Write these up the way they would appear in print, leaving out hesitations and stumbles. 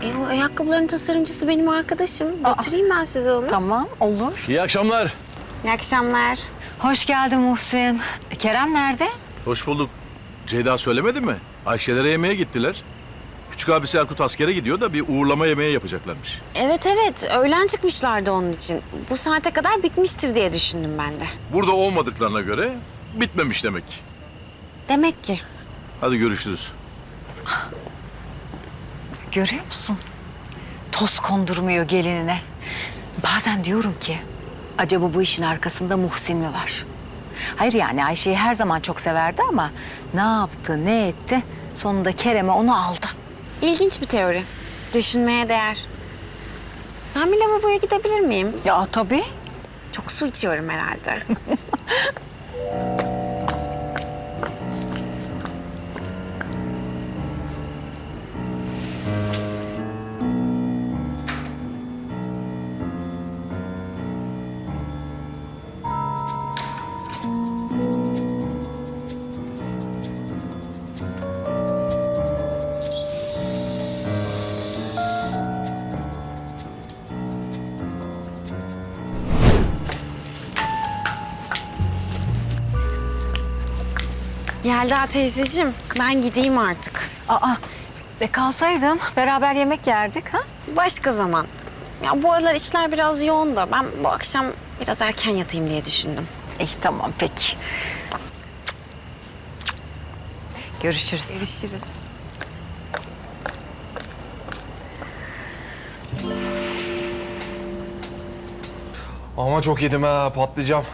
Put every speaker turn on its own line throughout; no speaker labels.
O ayakkabıların tasarımcısı benim arkadaşım. Götüreyim ben size onu.
Tamam, olur.
İyi akşamlar.
İyi akşamlar.
Hoş geldin Muhsin. Kerem nerede?
Hoş bulduk. Ceyda söylemedi mi? Ayşelere yemeğe gittiler. Küçük abisi Erkut askere gidiyor da bir uğurlama yemeği yapacaklarmış.
Evet, öğlen çıkmışlardı onun için. Bu saate kadar bitmiştir diye düşündüm ben de.
Burada olmadıklarına göre bitmemiş demek.
Demek ki.
Hadi görüşürüz.
Görüyor musun? Toz kondurmuyor gelinine. Bazen diyorum ki, acaba bu işin arkasında Muhsin mi var? Hayır yani Ayşe'yi her zaman çok severdi ama ne yaptı, ne etti? Sonunda Kerem'e onu aldı.
İlginç bir teori. Düşünmeye değer. Ben bir lavaboya gidebilir miyim?
Ya tabii.
Çok su içiyorum herhalde. Yelda teyzeciğim, ben gideyim artık.
Kalsaydın beraber yemek yerdik ha?
Başka zaman. Ya bu aralar işler biraz yoğun da ben bu akşam biraz erken yatayım diye düşündüm.
İyi tamam peki. Görüşürüz.
Görüşürüz.
Ama çok yedim ha, patlayacağım.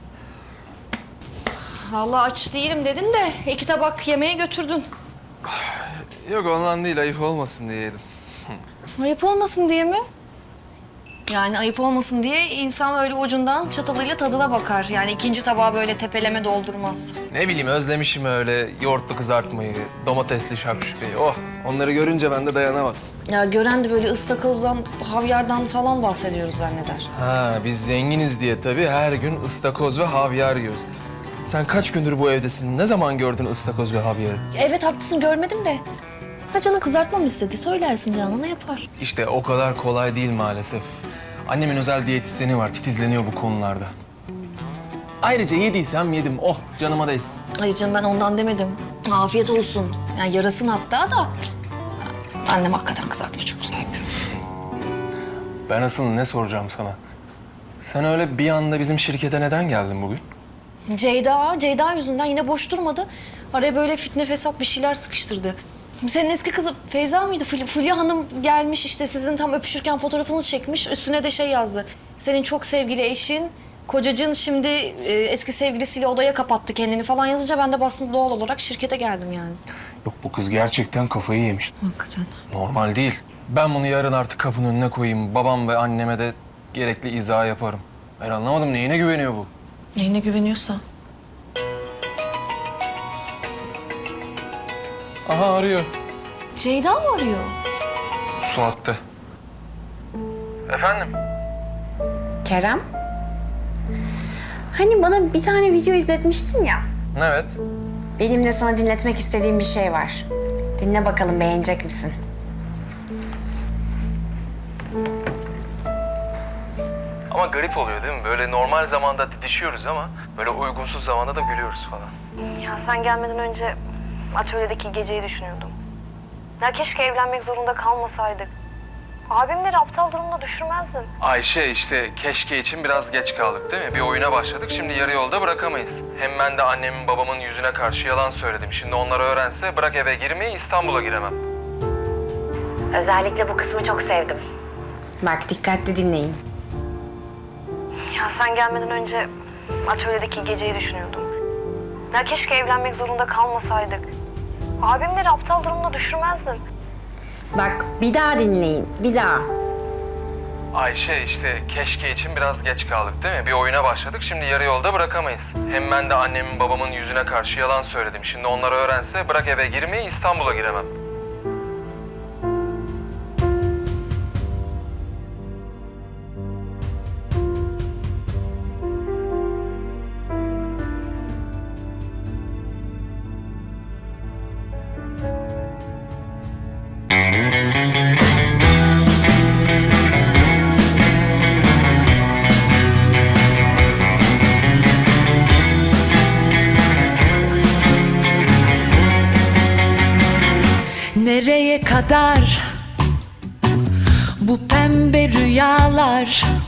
Vallahi aç değilim dedin de 2 tabak yemeğe götürdün.
Yok ondan değil, ayıp olmasın diye yedim.
Ayıp olmasın diye mi? Yani ayıp olmasın diye insan öyle ucundan çatalıyla tadına bakar. Yani 2. tabağı böyle tepeleme doldurmaz.
Ne bileyim, özlemişim öyle yoğurtlu kızartmayı, domatesli şakşukayı. Oh, onları görünce ben de dayanamadım.
Ya gören de böyle ıstakozdan, havyardan falan bahsediyoruz zanneder.
Ha, biz zenginiz diye tabii her gün ıstakoz ve havyar yiyoruz. Sen kaç gündür bu evdesin? Ne zaman gördün ıstakoz ve havyarı?
Evet haklısın görmedim de. Ha canın kızartma mı istedi? Söylersin Canan'a yapar.
İşte o kadar kolay değil maalesef. Annemin özel diyetisyeni var, titizleniyor bu konularda. Ayrıca yediysem yedim, oh canıma değsin.
Hayır canım ben ondan demedim. Afiyet olsun. Yani yarasın hatta da. Annem hakikaten kızartma çok güzel yapıyor.
Ben asıl ne soracağım sana? Sen öyle bir anda bizim şirkete neden geldin bugün?
Ceyda yüzünden yine boş durmadı. Araya böyle fitne fesat bir şeyler sıkıştırdı. Senin eski kızı Feyza mıydı? Fulya Hanım gelmiş işte sizin tam öpüşürken fotoğrafınızı çekmiş. Üstüne de şey yazdı. Senin çok sevgili eşin, kocacığın şimdi eski sevgilisiyle odaya kapattı kendini falan yazınca ben de bastım doğal olarak şirkete geldim yani.
Yok bu kız gerçekten kafayı yemiş.
Hakikaten.
Normal değil. Ben bunu yarın artık kapının önüne koyayım. Babam ve anneme de gerekli izah yaparım. Ben anlamadım, neyine güveniyor bu?
Neyine güveniyorsa.
Aha arıyor.
Ceyda mı arıyor?
Bu saatte. Efendim?
Kerem? Hani bana bir tane video izletmiştin ya.
Evet.
Benim de sana dinletmek istediğim bir şey var. Dinle bakalım beğenecek misin?
Ama garip oluyor değil mi? Böyle normal zamanda didişiyoruz ama böyle uygunsuz zamanda da gülüyoruz falan.
Ya sen gelmeden önce atölyedeki geceyi düşünüyordum. Ya keşke evlenmek zorunda kalmasaydık. Abimleri aptal durumda düşürmezdim.
Ayşe işte keşke için biraz geç kaldık değil mi? Bir oyuna başladık, şimdi yarı yolda bırakamayız. Hem ben de annemin babamın yüzüne karşı yalan söyledim. Şimdi onlar öğrense bırak eve girmeyi, İstanbul'a giremem.
Özellikle bu kısmı çok sevdim.
Bak dikkatli dinleyin.
Ya sen gelmeden önce atölyedeki geceyi düşünüyordum. Ya keşke evlenmek zorunda kalmasaydık. Abimleri aptal durumda düşürmezdim.
Bak bir daha dinleyin, bir daha.
Ayşe işte keşke için biraz geç kaldık değil mi? Bir oyuna başladık, şimdi yarı yolda bırakamayız. Hem ben de annemin babamın yüzüne karşı yalan söyledim. Şimdi onlar öğrense bırak eve girmeyi, İstanbul'a giremem.
kadar bu pembe rüyalar